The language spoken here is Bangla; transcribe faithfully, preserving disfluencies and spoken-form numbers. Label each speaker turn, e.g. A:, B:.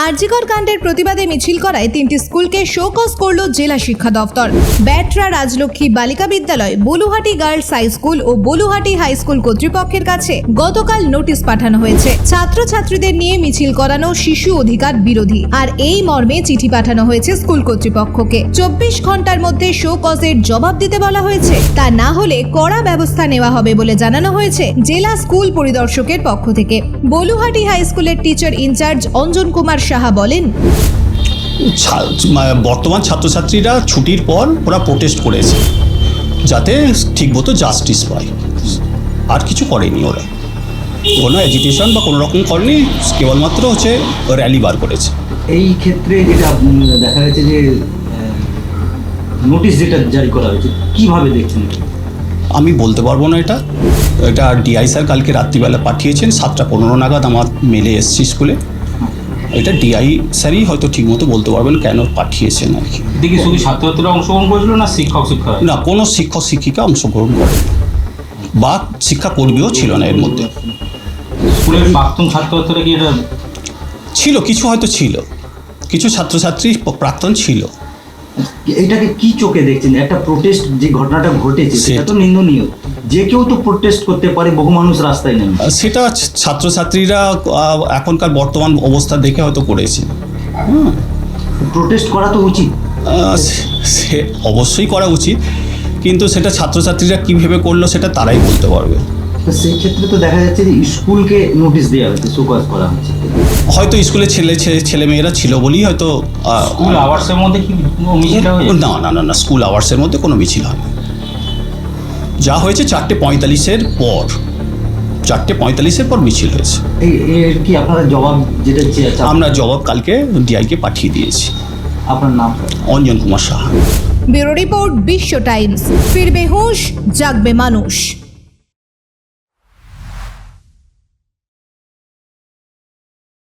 A: আরজিকর কাণ্ডের প্রতিবাদে মিছিল করায় তিনটি স্কুলকে শোকজ করল জেলা শিক্ষা দফতর। ব্যাটরা রাজলক্ষ্মী বালিকা বিদ্যালয়, বলুহাটি গার্লস হাই স্কুল ও বলুহাটি হাই স্কুল কর্তৃপক্ষের কাছে গতকাল নোটিশ পাঠানো হয়েছে। ছাত্রছাত্রীদের নিয়ে মিছিল করানো শিশু অধিকার বিরোধী। আর এই মর্মে চিঠি পাঠানো হয়েছে স্কুল কর্তৃপক্ষকে। চব্বিশ ঘন্টার মধ্যে শোকজের জবাব দিতে বলা হয়েছে। তা না হলে কড়া ব্যবস্থা নেওয়া হবে বলে জানানো হয়েছে জেলা স্কুল পরিদর্শকের পক্ষ থেকে। বলুহাটি হাই স্কুলের টিচার ইনচার্জ অঞ্জন কুমার সাহা বলেন,
B: বর্তমান ছাত্রছাত্রীরা ছুটির পর ওরা প্রোটেস্ট করেছে যাতে ঠিকমতো জাস্টিস পায়, আর কিছু করেনি। ওরা কোনো এজিটেশন বা কোনো রকম করেনি, কেবলমাত্র হচ্ছে র্যালি বার করেছে।
C: এই ক্ষেত্রে যেটা দেখা গেছে যে নোটিশ যেটা জারি করা হয়েছে, কিভাবে দেখছেন?
B: আমি বলতে পারবো না এটা এটা ডিআই স্যার কালকে রাত্রিবেলা পাঠিয়েছেন, সাতটা পনেরো নাগাদ আমার মেলে এসছি স্কুলে। এটা ডিআই স্যারই হয়তো ঠিকমতো বলতে পারবেন কেন পাঠিয়েছেন আর কি।
D: দেখি শুধু ছাত্রছাত্রীরা অংশগ্রহণ করেছিল না শিক্ষক শিক্ষক?
B: না, কোনো শিক্ষক শিক্ষিকা অংশগ্রহণ করেন বা শিক্ষাকর্মীও ছিল না এর মধ্যে।
D: স্কুলের প্রাক্তন ছাত্রছাত্রীরা কি এটা
B: ছিল? কিছু হয়তো ছিল, কিছু ছাত্রছাত্রী প্রাক্তন ছিল।
C: এটাকে কি চোখে দেখছেন? একটা প্রোটেস্ট যে ঘটনাটা ঘটেছে সেটা তো নিন্দনীয়। যে কেউ তো প্রোটেস্ট করতে পারে, বহু মানুষ রাস্তায় নেমে।
B: সেটা ছাত্রছাত্রীরা এখনকার বর্তমান অবস্থা দেখে হয়তো করেছে। হুম,
C: প্রোটেস্ট করা তো উচিত,
B: সে অবশ্যই করা উচিত, কিন্তু সেটা ছাত্রছাত্রীরা কী ভেবে করলো সেটা তারাই বলতে পারবে।
C: তো সেই ক্ষেত্রে তো দেখা যাচ্ছে যে স্কুলকে নোটিশ দেওয়া হয়েছে, শোকজ করা হয়েছে।
B: হয়তো স্কুলে ছেলে ছেলে মেয়েরা ছিল বলেই হয়তো।
D: স্কুল আওয়ার্সের মধ্যে কি মিছিল হয়েছে?
B: না না না না স্কুল আওয়ার্সের মধ্যে কোনো মিছিল হয়নি। যা হয়েছে চারটে পঁয়তাল্লিশের পর চারটে পঁয়তাল্লিশের পর মিছিল হয়েছে।
C: এই এর কি আপনারা জবাব যেটা চেয়েছেন?
B: আমরা জবাব কালকে ডিআইকে পাঠিয়ে দিয়েছি।
C: আপনার নাম?
B: Anjan Kumar Saha.
A: Bureau report, Biswa Times. ফিরবে হুঁশ, জাগবে মানুষ।